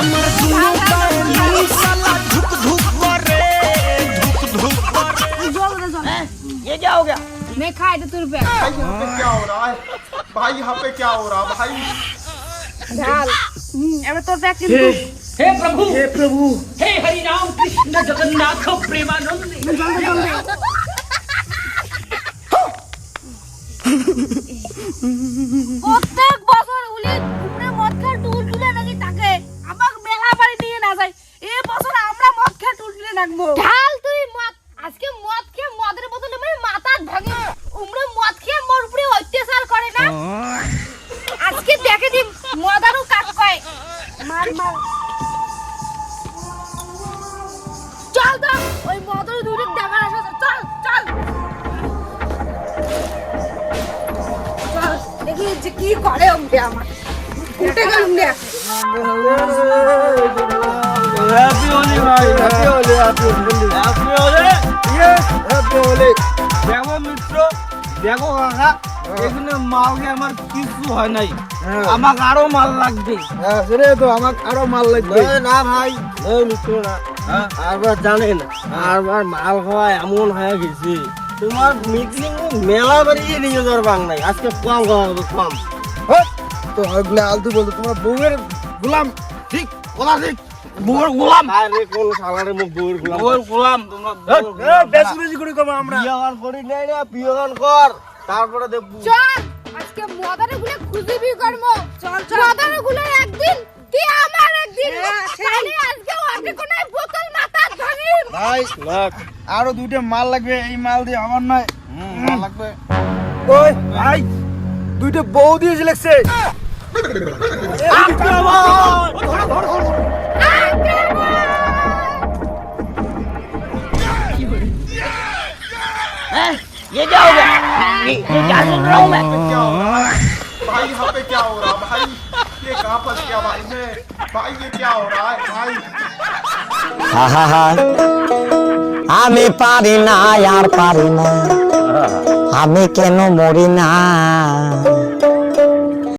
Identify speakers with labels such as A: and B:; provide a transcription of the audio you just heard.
A: हमर दुनु बैलू साला धुक धुक करे धुक धुक करे।
B: ये क्या हो गया?
C: मैं खाए तो तुर पे
D: भाई यहाँ पे क्या हो रहा है भाई? यहाँ पे क्या हो रहा भाई?
C: ढाल এবার তোর पे
B: हे प्रभु हे प्रभु हे हरि राम कृष्ण जगन्नाथ प्रेमानंद।
C: প্রত্যেক বছর উলি উপরে মদ খেয়ে টুল তুলে নাকি তাকে আমাকে মেলা বাড়ি নিয়ে না যায়। এই বছর আমরা মদ খেয়ে টুল তুলে রাখবো। ঢাল তুই মদ আজকে মদ খেয়ে মদের বোতলে মেরে মাথা ভাঙে উমরে মদ খেয়ে মোর উপরে অত্যাচার করে না। আজকে দেখে দিন মদারু কাক কয় মার মার চল তো ওই মদারু দূরে দেখার আসা চল চল চল দেখি যে কি করে ওকে আমার উঠে গেল না।
A: হ্যাপি হোলি ভাই happy Holi happy Holi happy Holi yes happy Holi. দেখো মিত্র দেখো কাকা এখানে মাল কে আমার কিছু হয় নাই আমাক আরো মাল লাগবে। হ্যাঁ সেরে তো আমাক আরো মাল লাগবে। না ভাই এই মিত্র না আরবার জানেন আরবার মাল খাওয়া এমন হয়ে গেছে তোমার মিটিং মেলা বাড়িয়ে নিয়ে যাওয়ার বাং নাই আজকে কম খাওয়া হবে কম। তো ওগুলো আলতু বলতো তোমার বউয়ের গোলাম ঠিক বলা ঠিক বউয়ের গোলাম আরে কোন শালারে মুখ বউয়ের গোলাম বউয়ের গোলাম তোমরা বেশি বেশি করে করব আমরা বিয়াগান করি নাই না বিয়াগান কর তারপরে দেব
C: চল আজকে মদারে গুলো খুঁজবি করব। চল চল মদারে গুলো একদিন কি আমার একদিন তাহলে আজকে ওকে কোন বোতল মাথা ধরি
A: ভাই লাখ আরো দুইটা মাল লাগবে এই মাল দিয়ে আমার নয় মাল লাগবে। ওই ভাই দুইটা বউ দিয়েছে লাগছে
B: ये क्या हो गया? ये क्या सुन रहा हूँ मैं?
D: क्या हो रहा है भाई? यहाँ पे क्या हो रहा भाई? ये कहाँ फंस गया भाई मैं? भाई ये क्या हो रहा है भाई?
E: আমি পারি না আর পারি না আমি কেন মরি না